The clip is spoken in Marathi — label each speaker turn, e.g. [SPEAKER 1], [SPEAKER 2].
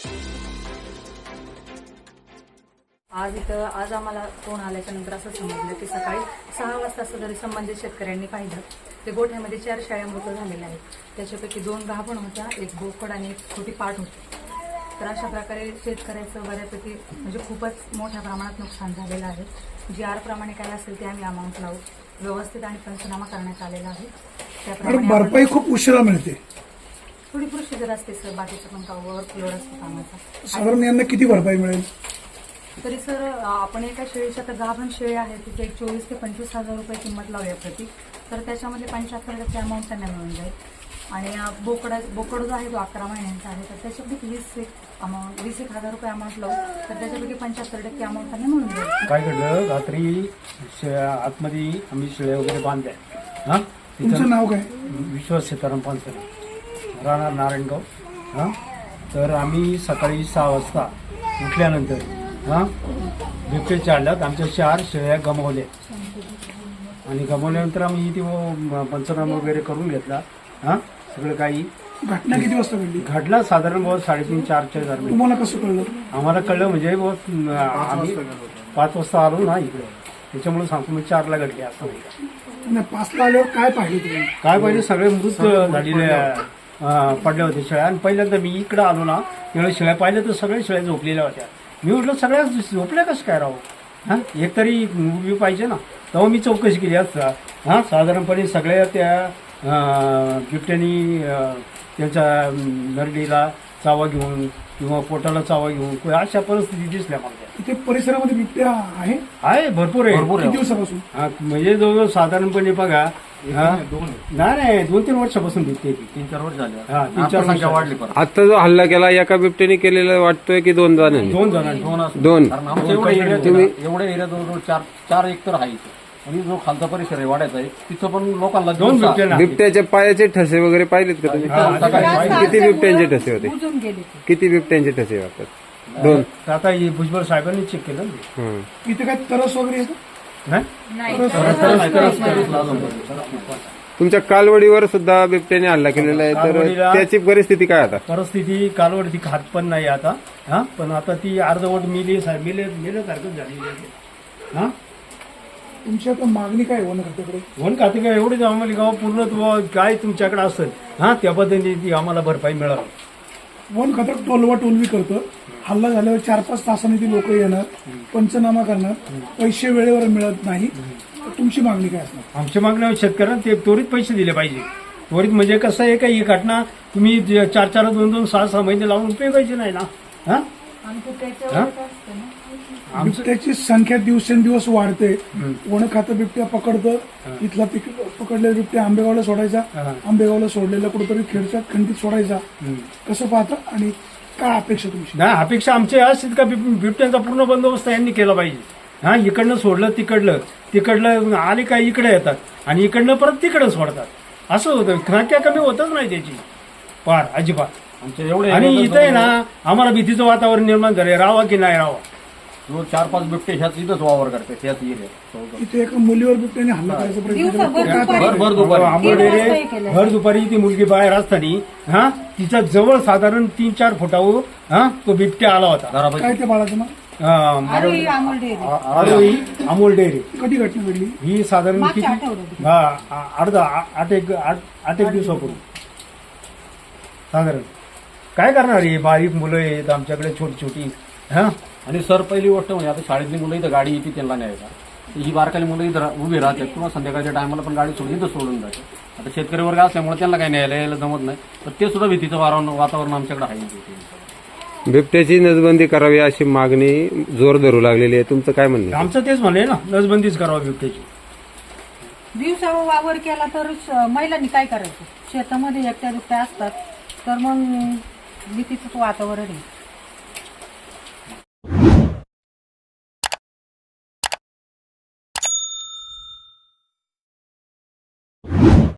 [SPEAKER 1] आज आम्हाला फोन आल्याच्या नंतर असं समजलं की सकाळी 6 वाजता असं जरी संबंधित शेतकऱ्यांनी पाहिलं ते गोठ्यामध्ये 4 शेळ्या मृत झालेल्या आहेत. त्याच्यापैकी 2 गाभण होत्या, 1 बोकड आणि 1 छोटी पाट होती. तर अशा प्रकारे शेतकऱ्याचं बऱ्यापैकी म्हणजे खूपच मोठ्या प्रमाणात नुकसान झालेलं आहे. जी आर प्रमाणे काय असेल ते आम्ही अमाऊंट लावू व्यवस्थित आणि पंचनामा करण्यात आलेला आहे. त्याप्रमाणे
[SPEAKER 2] भरपाई खूप उशिरा मिळते.
[SPEAKER 1] थोडी प्रोसिजर असते सर, बाकीचं पण ओव्हरफ्लोड असतो कामाचा.
[SPEAKER 2] साधारण यांना किती भरपाई मिळेल?
[SPEAKER 1] तरी सर आपण एका शेळीच्या तर गाभण शेळी आहे तिथे 24 ते 25 हजार रुपये किंमत लावूया प्रति. तर त्याच्यामध्ये 75% अमाऊंट त्यांना मिळून जाईल. आणि बोकड जो आहे तो 11 महिन्यांचा आहे तर त्याच्यापैकी 20,000 रुपये अमाऊंट लावू तर त्याच्यापैकी 75% अमाऊंट त्यांना मिळून जाईल.
[SPEAKER 3] काय घडलं, रात्री आतमध्ये आम्ही शेळ्या वगैरे बांधल्या. हा,
[SPEAKER 2] तुमचं नाव काय?
[SPEAKER 3] विश्वास सीताराम पानसरे, राहणार नारायणगाव. हा, तर आम्ही सकाळी 6 वाजता उठल्यानंतर बिबटे चालल्यात. आमच्या 4 शेळ्या गमावल्या आणि गमावल्यानंतर आम्ही ती पंचनामा वगैरे करून घेतला. हा, सगळं काही.
[SPEAKER 2] घटना किती वाजता घडली?
[SPEAKER 3] घडला साधारण 3:30-4च्या दरम्यान.
[SPEAKER 2] तुम्हाला कसं कळलं?
[SPEAKER 3] आम्हाला कळलं म्हणजे आम्ही 5 वाजता आलो ना इकडे, त्याच्यामुळे सांगतो मी 4ला घडली असं नाही.
[SPEAKER 2] 5ला आल्यावर काय पाहिलं तुम्ही?
[SPEAKER 3] काय पाहिजे, सगळे मृत झालेल्या पडल्या होत्या शेळ्या. आणि पहिल्यांदा मी इकडे आलो ना त्यावेळेस शेळ्या पाहिल्या तर सगळ्या शेळ्या झोपलेल्या होत्या. मी म्हटलं सगळ्या झोपल्या कसं काय राहू, हां एक तरी उभी पाहिजे ना. तेव्हा मी चौकशी केली असता. हां, साधारणपणे सगळ्या त्या बिबट्यानी त्यांच्या नरडीला चावा घेऊन किंवा पोटाला चावा घेऊन अशा परिस्थिती दिसल्या मला.
[SPEAKER 2] इथे परिसरामध्ये बिबट्या आहे?
[SPEAKER 3] भरपूर आहे.
[SPEAKER 2] किती दिवसापासून?
[SPEAKER 3] म्हणजे जवळजवळ साधारणपणे बघा, नाही 2-3 वर्षापासून बिबटे.
[SPEAKER 4] 3-4 वर्ष झाले.
[SPEAKER 3] 3-4
[SPEAKER 4] संख्या वाढली.
[SPEAKER 5] आता जो हल्ला केला एका बिबट्याने केलेला वाटतोय की 2 जणांनी?
[SPEAKER 3] 2 जणांनी.
[SPEAKER 5] दोन.
[SPEAKER 4] कारण आमच्या एवढ्या एरिया जवळ 4 एकतर आहे इथे. आणि जो खालचा परिसर आहे वाड्याचा आहे तिथं पण लोकांना
[SPEAKER 3] 2 बिबटे.
[SPEAKER 5] बिबट्याच्या पायाचे ठसे वगैरे पाहिलेत का तुम्ही? किती बिबट्यांचे ठसे होते? किती बिबट्यांचे ठसे वाटतात? 2.
[SPEAKER 3] आता हे भुजबळ साहेबांनी चेक केलं ना.
[SPEAKER 2] इथे काय तरस वगैरे येतं?
[SPEAKER 5] तुमच्या कालवडीवर सुद्धा बिबट्याने हल्ला केलेला आहे, तर
[SPEAKER 3] कालवडीला-
[SPEAKER 5] त्याची परिस्थिती काय आता?
[SPEAKER 3] परिस्थिती कालवड ती खात पण नाही आता. हा, पण आता ती अर्धवट मेल्यासारखं झालेली आहे. हा,
[SPEAKER 2] तुमची आता मागणी काय वन खात्याकडे?
[SPEAKER 3] वन खाते काय एवढीच आम्हाला गाव पूर्ण काय तुमच्याकडे असेल हा त्या पद्धतीने ती आम्हाला भरपाई मिळावी.
[SPEAKER 2] वन खातं टोलवी करतं. हल्ला झाल्यावर 4-5 तासांनी ती लोक येणार, पंचनामा करणार, पैसे वेळेवर मिळत नाही. तुमची मागणी काय असणार?
[SPEAKER 3] आमची मागणी शेतकऱ्यांना ते त्वरित पैसे दिले पाहिजे. त्वरित म्हणजे कसं आहे का ही घटना तुम्ही 4-4, 2-2, 6-6 महिने लावून उपयोगायचे नाही ना. हा,
[SPEAKER 2] बिबट्याची संख्या दिवसेंदिवस वाढते. वन खातं बिबट्या पकडतं. इथला पकडलेला बिबट्या आंबेगावला सोडायचा, आंबेगावला सोडलेला कुठेतरी खेडच्या खंडीत सोडायचा. कसं पाहता आणि काय अपेक्षा तुमची?
[SPEAKER 3] नाही, अपेक्षा आमची असेल का बिबट्यांचा पूर्ण बंदोबस्त यांनी केला पाहिजे. हा, इकडनं सोडलं तिकडलं आले काय इकडे येतात आणि इकडनं परत तिकडं सोडतात. असं होतं. संख्या कमी होतच नाही त्याची फार अजिबात.
[SPEAKER 4] आमच्या एवढे
[SPEAKER 3] आणि इथं आहे ना आम्हाला भीतीचं वातावरण निर्माण झालंय. राहावा की नाही राहावा.
[SPEAKER 4] 4-5 बिबटे ह्याच इथंच वावर करते ह्याच एरिया.
[SPEAKER 2] इथे एका मुलीवर बिबट्याने हल्ला करायचा प्रयत्न केला.
[SPEAKER 4] भर दुपारी
[SPEAKER 3] भर दुपारी ती मुलगी बाहेर असताना हा तिच्या जवळ साधारण 3-4 फुटावर तो बिबट्या आला होता.
[SPEAKER 2] काय ते बाळाचं नाव?
[SPEAKER 3] आरोही अमोल डेअरी.
[SPEAKER 2] कधी घटना घडली?
[SPEAKER 3] ही साधारण किती 8 एक दिवसापूर्वी साधारण. काय करणार हे बारीक मुलं आहेत आमच्याकडे छोटी. हा,
[SPEAKER 4] आणि सर पहिली गोष्ट म्हणजे आता शाळेतली मुलं इथं गाडी येते त्यांना न्यायचा. ही बारकाली मुलं इथं उभी राहतात किंवा संध्याकाळच्या टायमाला पण गाडी सोडून इथं सोडून जाते. आता शेतकरी वर्ग असल्यामुळे त्यांना काही न्यायला यायला जमत नाही. तर ते सुद्धा भीतीचं वातावरण आमच्याकडे आहे.
[SPEAKER 5] बिबट्याची नसबंदी करावी अशी मागणी जोर धरू लागलेली आहे. तुमचं काय म्हणणं?
[SPEAKER 3] आमचं तेच म्हणले ना, नसबंदीच करावं बिबट्याची.
[SPEAKER 1] दिवसा वावर केला तर महिलांनी काय करायचं? शेतामध्ये एकट्या दुकट्या असतात तर मग भीतीचं वातावरण आहे.